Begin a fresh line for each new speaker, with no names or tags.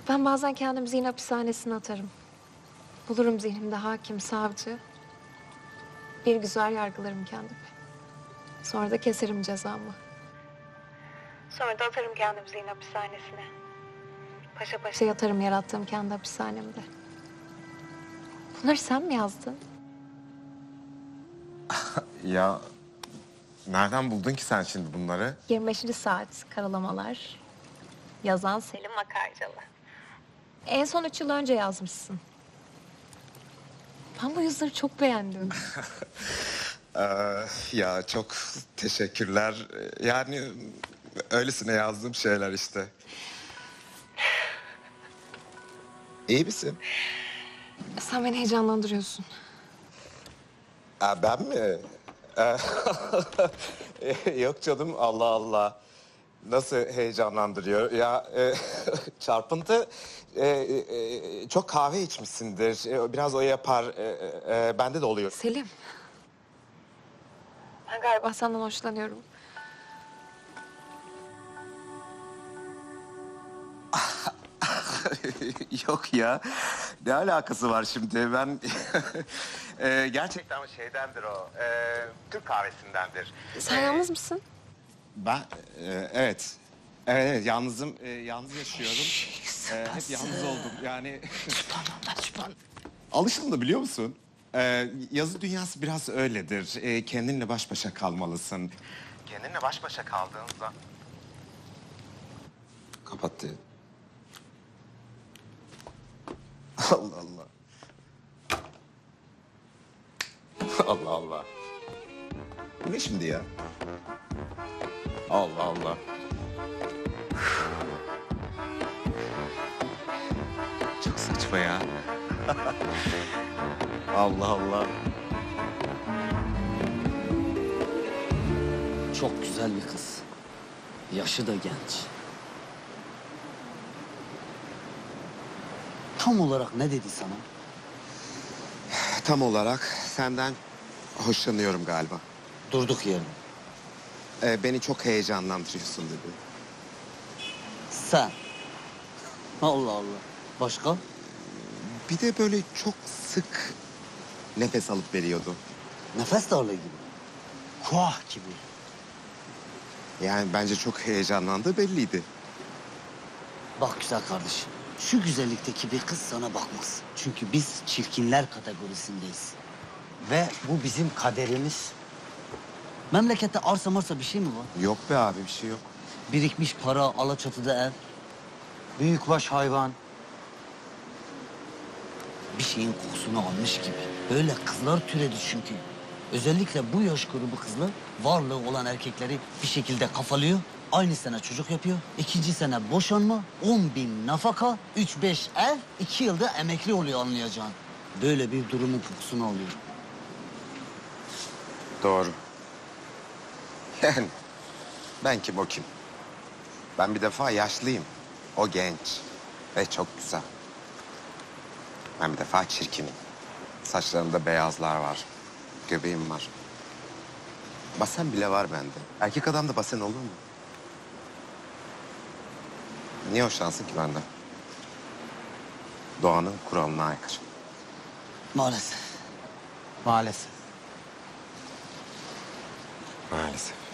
Ben bazen kendimi zihin hapishanesine atarım. Bulurum zihnimde hakim, savcı. Bir güzel yargılarım kendimi. Sonra da keserim cezamı. Sonra da atarım kendimi zihin hapishanesine. Paşa paşa yatarım yarattığım kendi hapishanemde. Bunları sen mi yazdın?
Ya nereden buldun ki sen şimdi bunları?
25. saat karalamalar. Yazan Selim Akarcalı. En son 3 yıl önce yazmışsın. Ben bu yazıları çok beğendim.
Ya çok teşekkürler. Yani öylesine yazdığım şeyler işte. İyi misin?
Sen beni heyecanlandırıyorsun.
Ben mi? Yok canım, Allah Allah. Nasıl heyecanlandırıyor? Ya çarpıntı, çok kahve içmişsindir. Biraz o yapar. Bende de oluyor.
Selim. Ben galiba senden hoşlanıyorum.
Yok ya. Ne alakası var şimdi? Ben gerçekten şeydendir o. Türk kahvesindendir.
Sen yalnız mısın?
Ben evet. Evet, yalnızım. Yalnız yaşıyorum. Hep yalnız oldum. Yani alışıldı, biliyor musun? Yazı dünyası biraz öyledir. Kendinle baş başa kalmalısın. Kendinle baş başa kaldığında... Kapattı. Allah Allah. Allah Allah. Bu ne şimdi ya? Allah Allah. Çok saçma ya. Allah Allah.
Çok güzel bir kız. Yaşı da genç. Tam olarak ne dedi sana?
Tam olarak senden hoşlanıyorum galiba.
Durduk yere.
Beni çok heyecanlandırıyorsun dedi.
Sen. Allah Allah. Başka?
Bir de böyle çok sık nefes alıp veriyordu.
Nefes darlığı gibi. Kuah gibi.
Yani bence çok heyecanlandığı belliydi.
Bak güzel kardeşim. Şu güzellikteki bir kız sana bakmaz. Çünkü biz çirkinler kategorisindeyiz. Ve bu bizim kaderimiz. Memlekette arsa marsa bir şey mi var?
Yok be abi, bir şey yok.
Birikmiş para, Alaçatı'da ev. Büyükbaş hayvan. Bir şeyin kokusunu almış gibi. Böyle kızlar türedi çünkü. Özellikle bu yaş grubu kızlar varlığı olan erkekleri bir şekilde kafalıyor. Aynı sene çocuk yapıyor. 2. sene boşanma, 10.000 nafaka, 3-5 ev, 2 yılda emekli oluyor anlayacağın. Böyle bir durumun kokusunu alıyor.
Doğru. Yani ben kim, o kim? Ben bir defa yaşlıyım. O genç ve çok güzel. Ben bir defa çirkinim. Saçlarımda beyazlar var. Göbeğim var. Basen bile var bende. Erkek adam da basen olur mu? Niye hoşlansın ki benden? Doğanın kuralına aykırı.
Maalesef.
Maalesef. Maalesef.